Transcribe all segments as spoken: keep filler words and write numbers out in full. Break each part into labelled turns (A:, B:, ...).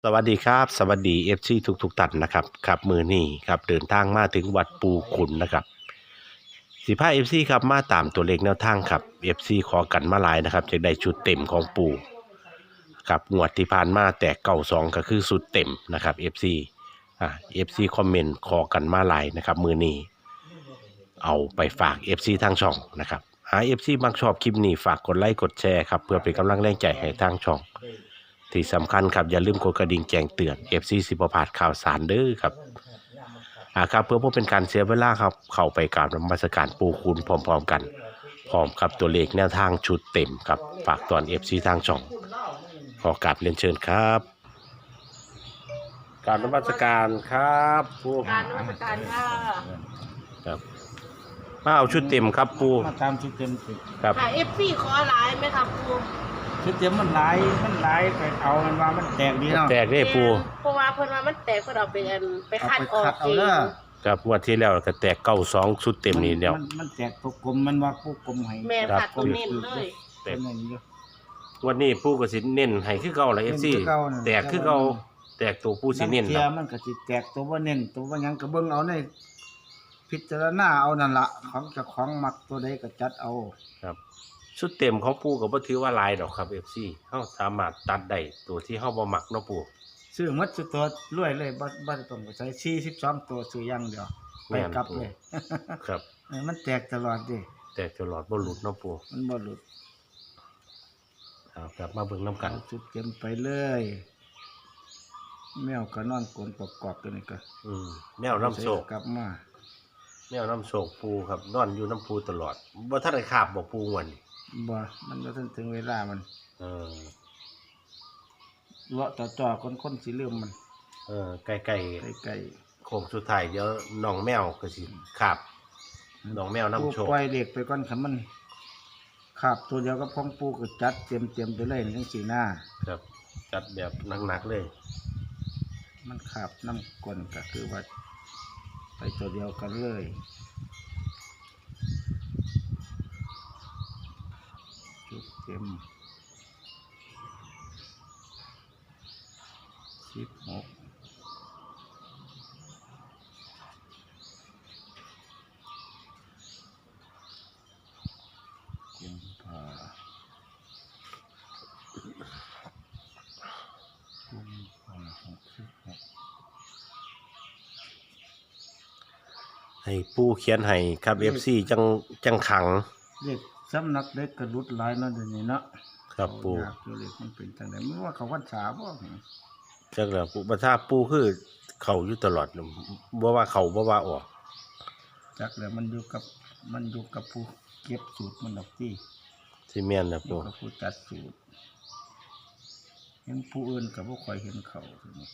A: สวัสดีครับสวัสดีเอฟซีทุกทุกๆท่านนะครับครับมือนี้ครับเดินทางมาถึงวัดปูขุนนะครับสิบห้าเอฟซีครับมาตามตัวเลขแนวทางครับเอฟซีขอกันมาหลายนะครับจะได้ชุดเต็มของปูครับงวดที่ผ่านมาแต่เก่าสองก็คือชุดเต็มนะครับเอฟซีอ่าเอฟซีคอมเมนต์ขอกันมาหลายนะครับมือนี้เอาไปฝากเอฟซีทางช่องนะครับหาเอฟซีบางชอบคลิปนี้ฝากกดไลค์กดแชร์ครับเพื่อเป็นกำลังแรงใจให้ทางช่อง ที่สำคัญครับอย่าลืมกดกระดิ่งแจ้งเตือน เอฟ ซี สิบพลาดข่าวสารเด้อครับอ่าครับเพื่อบ่เป็นการเสียเวลาครับเข้าไปกราบนมัสการปู่คุณพร้อมๆกันพร้อมครับตัวเลขแนวทางชุดเต็มครับฝากตอน เอฟ ซี ทางช่องขอกราบเรียนเชิญครับกราบนมัสการครับปู่
B: การนมัสการค่ะ
A: ครับมาเอาชุดเต็มครับปู่
C: มาตามชุดเต็มสิ
A: ครับ
B: ค่ะเอฟซีขอไลน์ไหมครับครู
C: ชุดเต็มมันหลายมันหลายไปเอามันว่ามันแตกดีเนาะ
A: แตกได้ปู่
B: เพราะว่าเพิ่นว่ามันแตกเพิ่นเอาไปอันไปคัดออก
C: เอาไปคัดเอา
B: เอง
C: เด้อ
A: ครับงวดที่แล้วก็แตกเก้าสองชุดเต็มนี่เดียว
C: มันมันแตกตัวกลมมันว่าผู้กลมให้
B: แม่
A: ครับ
B: ผัดตัวเน้นเลย
C: เต็มเลยอยู่
A: วันนี้ปู่ก็สิเน้นให้คือเก่าละ เอฟ ซี
C: เน้นคือเก่าน่ะ
A: แตกคือเก่าแตกตัวปู่สิเน้น
C: เที
A: ค
C: ย
A: รับ
C: มันก็สิแตกตัวว่าเน้นตัวว่าหยังก็เบิ่งเอาในพิจารณาเอานั่นละของเจ้าของมักตัวใดก็จัดเอา
A: ครับชุดเต็มของปูก็บ่ถือว่าหลายดอกครับ เอฟ ซี เฮาสามารถตัดได้ตัวที่เฮาบ่มักเนาะปู
C: ซื้อหมดสุดตัวรวยเลยบ่บ่ได้ต้องไปใช้สี่สิบสองตัวซื้ออย่างเดียวไปกลับเลย
A: ครับ
C: เออมันแตกตลอดดิ
A: แต่ตลอดบ่หลุดเนาะปู
C: มันบ่หลุด
A: เอากลับมาเบิ่งนํกัน
C: เอาชุดเต็มไปเลย แมวก็นอนกลนประกอบตัวนี้ก็
A: อืมแนวน้ำโชค
C: กลับมา
A: แนวน้ำโชคปูครับนอนอยู่น้ำปูตลอดบ่ทันได้คาบบ่ปูม่วนนี่
C: บ่มันบ่ทันถึงเวลามัน
A: เออ
C: เลาะจ่อๆคนๆสิลืมมัน
A: เออใกล้
C: ใกล้
A: ๆโค้งสุดท้ายเดี๋ยวน้องแมวก็สิคาบ
C: ๆ
A: น้องแมวน้ำโชค
C: ปูปล่อยเด็กไปก่อนคันมันขาบตัวเดียวก็พ้องปูก็จัดเตรียมๆไปเลยจังซี่หน้า
A: ครับ จัดแบบหนักๆเลย
C: มันขาบน้ำก้นก็คือว่า ไปตัวเดียวกันเลยชุดเต็มสิบหกกุมภากุมภาหกสิบหก
A: ให้ปูเขียนให้ครับ เอฟ ซี จังจังขัง
C: เด็กสำนักเด็กกระดุดหลายเนาะเดี๋ยวนี้เนาะ
A: ครับปู
C: เขาอยากอยู่เด็กมันเป็นจังไดไม่ว่าเขาวัดสาบ่
A: จักแล้วปูประทาปูคือเขาอยู่ตลอดบ่ว่าเขาบ่ว่าออก
C: จักแล้วมันอยู่กับมันอยู่กับผู้เก็บสูตรมันดอกที่
A: สิแม่นนะ
C: อยู่
A: ปู
C: กับผู้จัดสูตรเห็นผู้อื่นกับผู้คอยเห็นเขาทีนี้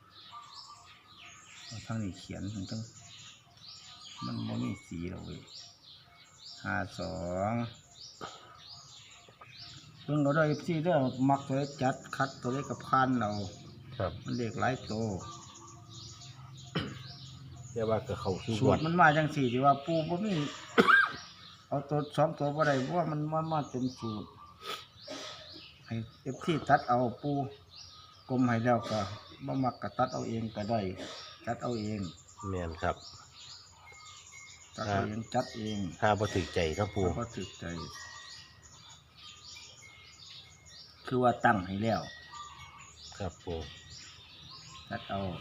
C: เอาทางนี้เขียนมันต้องมันบ่มีสีหรอกเว้ยห้าสองเพิ่งเราได้ที่เด้อมักตัวเล็กจัดคัดตัวเล็กกับพันเรา
A: ครับ
C: มันเด็กหลายโต
A: เรียกว่าก็เขาคือ
C: สู
A: วั
C: ต
A: ด
C: รมันมาจังสี่ที่ว่าปูบ่มี เอาตัวสองตัวบ่ได้เพราะว่ามันมามาเต็มสูตรให้เอฟที่ตัดเอาปูกลมให้แล้วก็บ่มักก็ตัดเอาเองก็ได้ตัดเอาเอง
A: แม่นครับ
C: ตัดเอาเองจัดเอง
A: ถ้าบ่ถึกใจเนาะปู
C: เพราะถึกใจ คือว่าตั้งให้แล้ว
A: ครับปู
C: ตัดเอา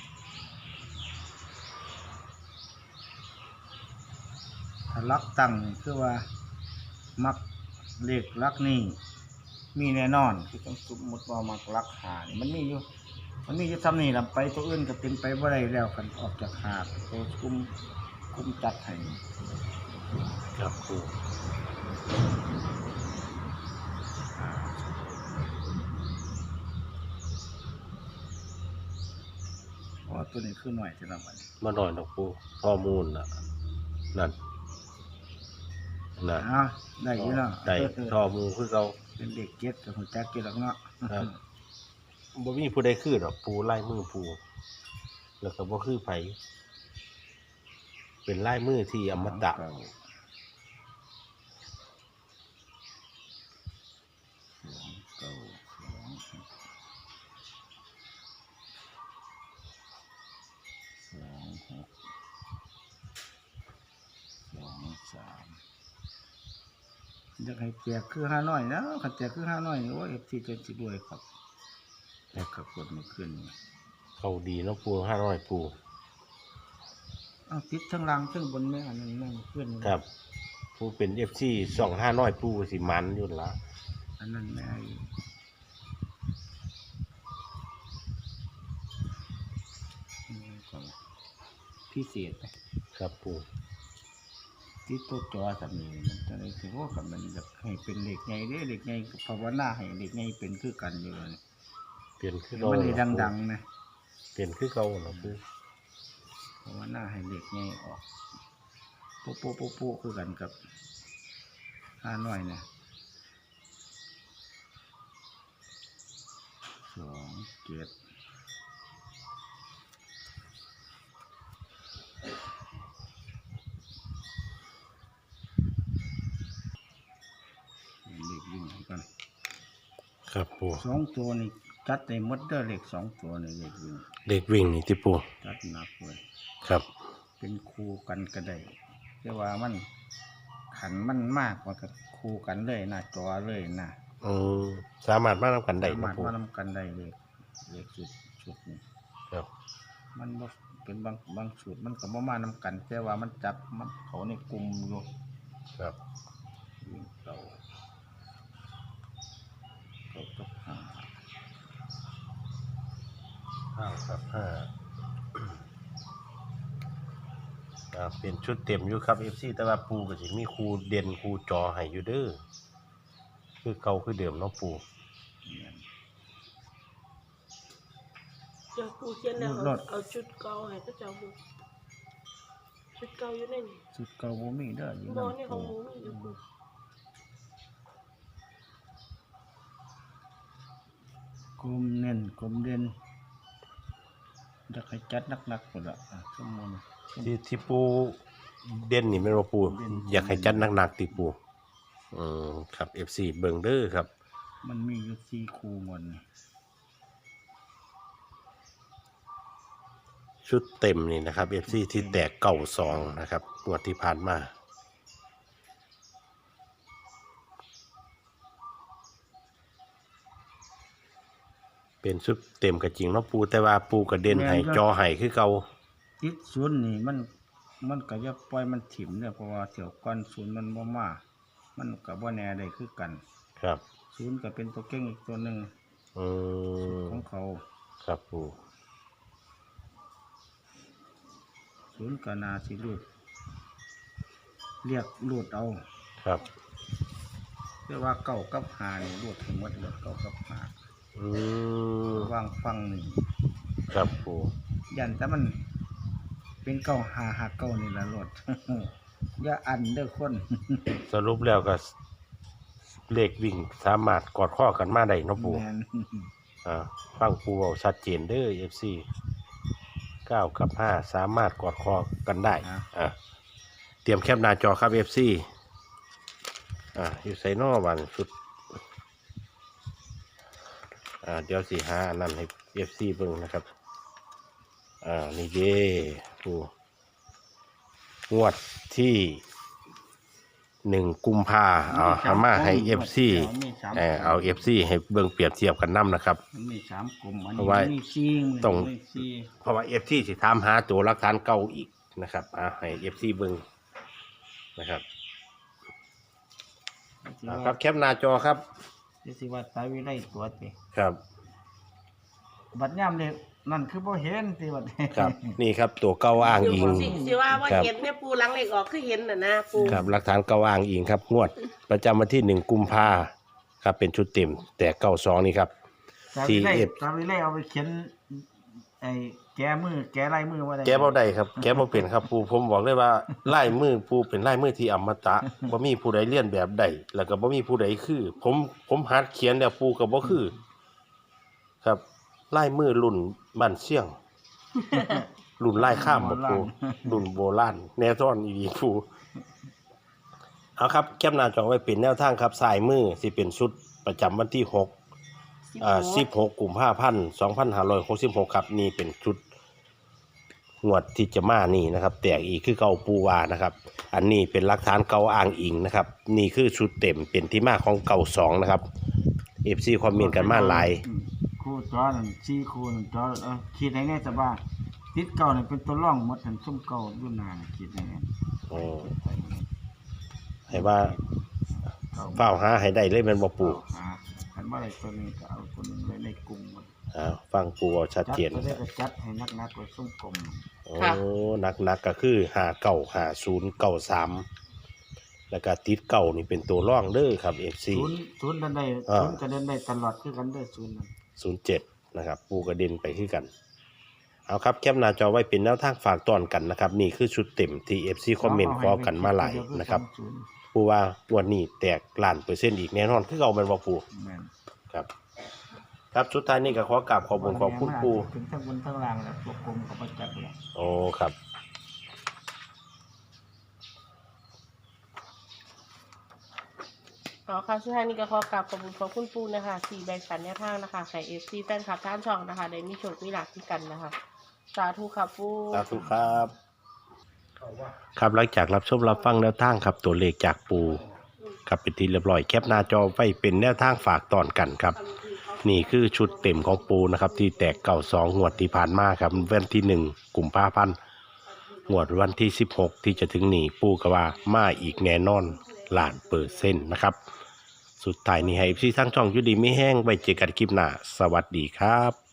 C: ถ้าลักตั้งนี่คือว่า มักเลขลักนี่มีแน่นอนคือต้องสมมติว่ามักลักหานี่มันมีอยู่ มันมีอยู่ทำนี่ลำไปตัวอื่นก็เป็นไปบ่ได้แล้วกันออกจากหาดตัวกุมกุมจัดให้
A: ครับปู
C: เพราะว่าตัวนี้คือหน่อยจะนำมัน
A: มาหน่อยดอกปูข้อมูลน่ะนั่นนั่น
C: อ่ะได้อยู่เนาะ
A: ได้ข้อมูลคือเขา
C: เป็นเด็กเก็ตกับหัวจักเก็ตหรอกเนาะ
A: ครับบ่มีผู้ใดคือดอกปูลายมือปูแล้วก็บ่คือไผเป็นลายมือที่อมตะ
C: เก่าสองเก้าสองอยากให้แจกคือห้าน้อยนะคันแจกคือห้าน้อยนี่โอ้เอฟซีจะสิด้วยครับแต่กับกดเมื่อคืนนี่
A: เขาดีเนาะปูห้าร้อยปู
C: เอาติดทั้งล่างทั้งบนแม่อันนั้นนั่นเพื่อนนี่
A: ครับปูเป็นเอฟซีสองห้าร้อยปูสิมันอยู่ละ
C: อันนั้นแม่นี่ก็พิเศษนะครับ
A: ปู
C: ที่ตัวจอสามีมันจะได้ถือว่ากับมันจะให้เป็นเหล็กไงเด้เหล็กไงกับภาวนาให้เหล็กไงเป็นคือกันอยู่เลย
A: เปลี่ยนคือ
C: มั
A: เก่าน
C: ได้ดังๆนะ
A: เปลี่ยนคือเก่าเนาะปู
C: ภาวนาให้เหล็กไงออกโป๊ะโป๊ะโป๊ะโป๊ะคือกันกับห้าน้อยนะสองเจ็ดเหล็กวิ่งกัน
A: ครับปู
C: สองตัวนี่จัดในมดเดอร์เหล็กสองตัวนี่เหล็กวิ่ง
A: เด็กวิ่งนี่ที่ปู
C: จัดหนักเลย
A: ครับ
C: เป็นคู่กันก็ได้แต่ว่ามันขันมันมากกว่ากับคู่กันเลยหน้าจอเลยนะ
A: อืมสามารถมาทำกันได้
C: สา
A: เนาะ
C: มารถ
A: ปู
C: ว่านำกันได้เลยเลขสุดสุดนี่
A: ครับ
C: มันบ่เป็นบางบางสูตรมันก็บ่มานำกัน แต่ว่ามันจับมันเขาในกลุ่มอยู่
A: ครับ
C: วิ่งเก่าเก่ากับห้า
A: ห้าครับห้าอ่าเป็นชุดเต็มอยู่ครับเอฟซีแต่ว่าปูก็สิมีครูเด่นครูจอให้อยู่เด้อคือเก่าคือเดิมเนาะปู
C: เนี่ย
B: เดี๋ยวปูเขียนแล้วเอาเอาชุดเก่าให้ก็เจ้าบุชุดเก่าอยู่ในนี่
C: สุดเก่าบ่มีเด้ออยู่
B: บ่
C: นั่น
B: นี่ของหมูมีอยู่ปู
C: กลมเน้นกลมเด่นจะให้จัดหนักๆหมดละอ่ะชั่วโมง
A: ที่ที่ปูเด่นนี่แม่นบ่ปูอยากให้จัดหนักๆติปูอืมครับเอฟซีเบิ่งเด้อครับ
C: มันมีอยู่สี่คู่หมดนี่
A: ชุดเต็มนี่นะครับเอฟซีที่แตกเก่าสองนะครับงวดที่ผ่านมาเป็นชุดเต็มก็จริงเนาะปูแต่ว่าปูกระเด็นให้จอให้คือเก่า
C: ติดศูนย์นี่มันมันก็จะปล่อยมันถิ่มเนี่ยเพราะว่าเสี่ยวก้อนศูนย์มันบ่มามันก็บ่แน่ได้คือกัน
A: ครับ
C: ศูนย์ก็เป็นตัวเก่งอีกตัวหนึ่ง
A: อืม
C: ของเขา
A: ครับปู
C: ศูนย์ก็นาสิรูดเรียกรูดเอา
A: ครับ
C: เรียกว่าเก้ากับหานี่รูดทั้งหมดเลยเก้ากับหา
A: อืม
C: วางฟังนี่
A: ครับปู
C: ยันแต่มันเป็นเก้าหาหาเก้านี่ละรถ อย่าอันเด้อคน
A: สรุปแล้วก็เลขวิ่งสามารถกอดข้อกันมาได้เนาะปู
C: แม่น
A: อ่าฟังปูเอาชัดเจนเด้อเอฟซีเก้ากับห้าสามารถกอดคอกันได้อ่าเตรียมแคปหน้าจอครับเอฟซีอ่าอยู่ใส่นอวันสุดอ่าเดี๋ยวสี่ห้านั่นให้เอฟซีเบิ่งนะครับอ่านี่เด้ปูงวดที่หนึ่งกุมภาเอาเอามาให้เอฟซี
C: มีสาม
A: เออเอาเอฟซีให้เบิ่งเปรียบเทียบกันนํนะครับ
C: มันมีสามกลุ่มอัน
A: เพ
C: นี้
A: ราะว่า
C: มันมีสี่
A: ต้อง
C: มันมีสี่
A: เพราะว่าเอฟซีสิถามหาตัวหลักฐานเก่าอีกนะครับอ่าให้เอฟซีเบิ่งนะครับอ่าครับแคปหน้าจอครับ
C: ที่สิว่าสายวิไลตัวติ
A: ครับ
C: บัดย่ำเลยนั่นคือบ่เห็นสิบัด
A: ครับนี่ครับตัวเก่าอ้างอิง
B: สิสิว่าว่า
A: ครับ
B: เห็นแม่ปูหลังเหล็กออกคือเห็นน่ะนะปู
A: ครับหลักฐานเก่าอ้างอิงครับงวด ประจำวันที่หนึ่งกุมภาครับเป็นชุดเต็ม แต่เก้าสองนี่ครับ
C: สายวิไล
A: ที่
C: สายวิไลเอาไปเขียนไอ้แกมือแกลายมือว่าได้
A: แกบ่ได้ครับ แกบ่เป็นครับปูผมบอกเลยว่าลายมือปูเป็นลายมือที่อมตะ บ่มีผู้ใดเลียนแบบใดแล้วก็บ่มีผู้ใดคือ ผมผมหัดเขียนแล้วปูก็บ่คือ ครับลายมือรุ่นบ้านเชียง รุ่นลายข้ามบ่ปูรุ่นโบราณแนวซ่อนอีหลีปูเอาครับแคปหน้าจอไว้เป็นแนวทางครับสายมือสิเป็นชุดประจำวันที่หกอ่าสิบหกกุมภาพันธ์สองพันห้าร้อยหกสิบหกครับนี่เป็นชุดงวดที่จะมานี่นะครับแตกอีกคือเก่าปูวานะครับอันนี้เป็นหลักฐานเก่าอ้างอิงนะครับนี่คือชุดเต็มเป็นที่มาของเก่าสองนะครับ เอฟ ซี คอมเมนต์กันมาหลาย
C: อืมคู่จอนั่นสี่คู่นั่นจอเออคิดได้แน่จะว่าติดเก่านี่เป็นตัวร่องหมดทั้งซุ่มเก่าอยู่นานคิดได้แน่
A: โอ้ให้ว่า
C: เก่า
A: เฝ้าหาให้ได้เลยแมันบ่ปู
C: หาคันว่าอะไรตัวนี้ก็เอาตัวนึงไว้ในกลุ่มหมด
A: อ้าวฟังปูเอาชัด
C: จัด
A: เจน
C: ก็ได้ก็จัดให้นักๆไว้ซุ่มกลม
A: โอ้นักนักๆก็คือหาเก่าหาศูนย์เก่าสามแล้วก็ติดเก่านี่เป็นตัวร่องเด้อครับ เอฟ ซี
C: ศูนย์ศูนย์ดันได้
A: อ่า
C: ศูนย์ก็เดินได้ตลอดคือกันเด้อศูนย์นั่น
A: ศูนย์เจ็ดนะครับปูกระเด็นไปคือกันเอาครับแคปหน้าจอไว้เป็นแนวทางฝากตอนกันนะครับนี่คือชุดเต็มที่ เอฟ ซี คอมเมนต์ขอกันมาหลายนะครับ
C: ศูนย์
A: ปูว่างวดนี้แตกล้านเปอร์เซ็นต์อีกแน่นอนคือเก่าแม่นบ่ปู
C: แม่น
A: ครับ ครับสุดท้ายนี้ก็ขอกราบขอบคุณขอบคุณปู
C: ถึงทั้งบนทั้งล่างแล้วพวกกลมก็บ่จัดแล้ว
A: โอ้ครับ
B: อ๋อค่ะสุดท้ายนี้ก็ขอกราบขอบคุณขอบคุณปูนะคะสี่แบ่งปันแนวทางนะคะไข่เอฟซีแฟนคลับท่านช่องนะคะได้มีโชคมีลาภที่กันนะคะสาธุค่ะปู
A: สาธุครับ ครับหลังจากรับชมรับฟังแนวทางครับตัวเลขจากปูครับเป็นที่เรียบร้อยแคปหน้าจอไว้เป็นแนวทางฝากตอนกันครับ นี่คือชุดเต็มของปูนะครับที่แตกเก่าสองงวดที่ผ่านมาครับวันที่หนึ่งกุมภาพันธ์งวดวันที่สิบหกที่จะถึงนี้ปูก็ว่ามาอีกแน่นอนล้านเปอร์เซ็นต์นะครับ สุดท้ายนี้ให้พี่ทั้งช่องอยุดีไม่แห้งไว้เจอกันคลิปหน้าสวัสดีครับ